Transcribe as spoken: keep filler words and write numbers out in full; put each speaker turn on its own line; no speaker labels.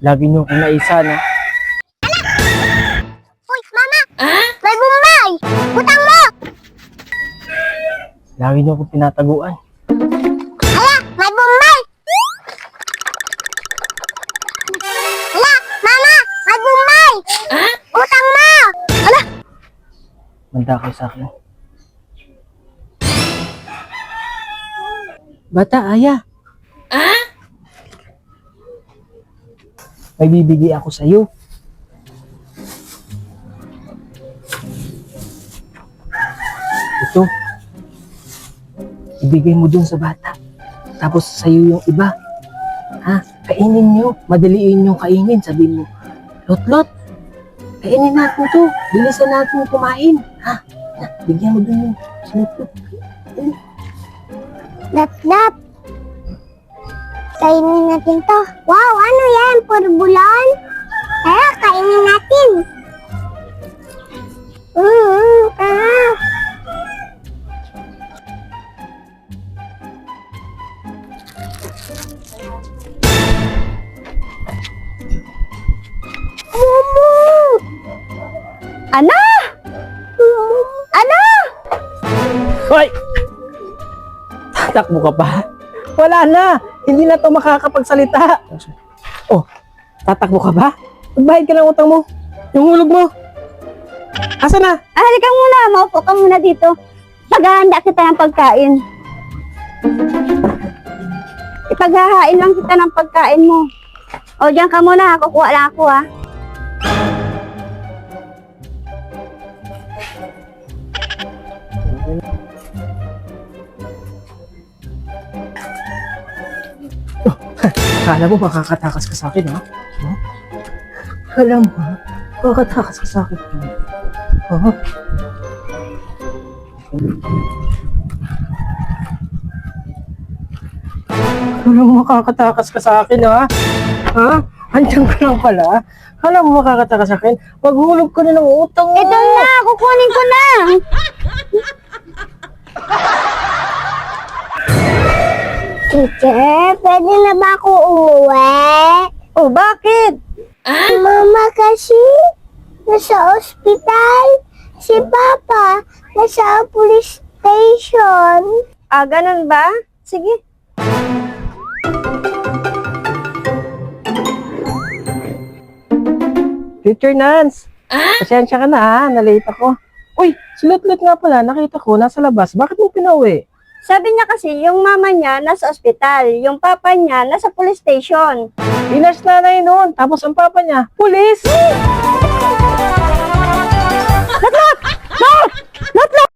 Lagi niyo akong naisa na.
Uy, mama! May bumbay! Utang mo!
Lagi niyo akong tinataguan.
Hala! May bumbay! Hala! Mama! May bumbay! Utang mo! Hala!
Manda kayo sa akin. Bata, aya. May bibigay ako sa iyo. Ito. Ibigay mo dun sa bata. Tapos sa iyo yung iba. Ha? Kainin niyo. Madaliin yung kainin. Sabihin mo, Lot-lot, kainin natin to. Bilisan natin kumain. Ha? Na, bigyan mo dun yung sinutlo.
Dap-dap! Kainin natin to. Wow! Ano yan? Purbulon? Tara, kainin natin. Mm, tara. Mumu! Ano? Ano?
Hoy! Tatakbo ka pa? Wala na! Hindi na to makakapagsalita. Oh, tatakbo ka ba? Magbayad ka ng utang mo. Yung hulog mo. Asa na?
Ah, halika muna. Maupo ka muna dito. Paghahanda kita ng pagkain. Ipaghahain lang kita ng pagkain mo. O, diyan ka muna. Kukuha lang ako, ha.
Kala mo makakatakas ka sa akin, ha? Huh? Kala mo, ha? Makakatakas ka sa akin. Huh? Kala mo makakatakas ka sa akin, ha? Ha? Andiyan ka lang pala. Kala mo makakatakas sa akin? Maghulog ka na ng utang mo.
Ito na. Kukunin ko na. Teacher, pwede na ba ako umuwi? Oh, bakit? Mama kasi nasa ospital. Si Papa nasa police station. Ah, ganun ba? Sige.
Teacher Nance, pasensya ka na ha, nalate ako. Uy, si Lot-lot nga pala, nakita ko, nasa labas. Bakit mo pinauwi?
Sabi niya kasi, yung mama niya nasa ospital, yung papa niya nasa police station.
Pinas nanay noon, tapos ang papa niya, pulis!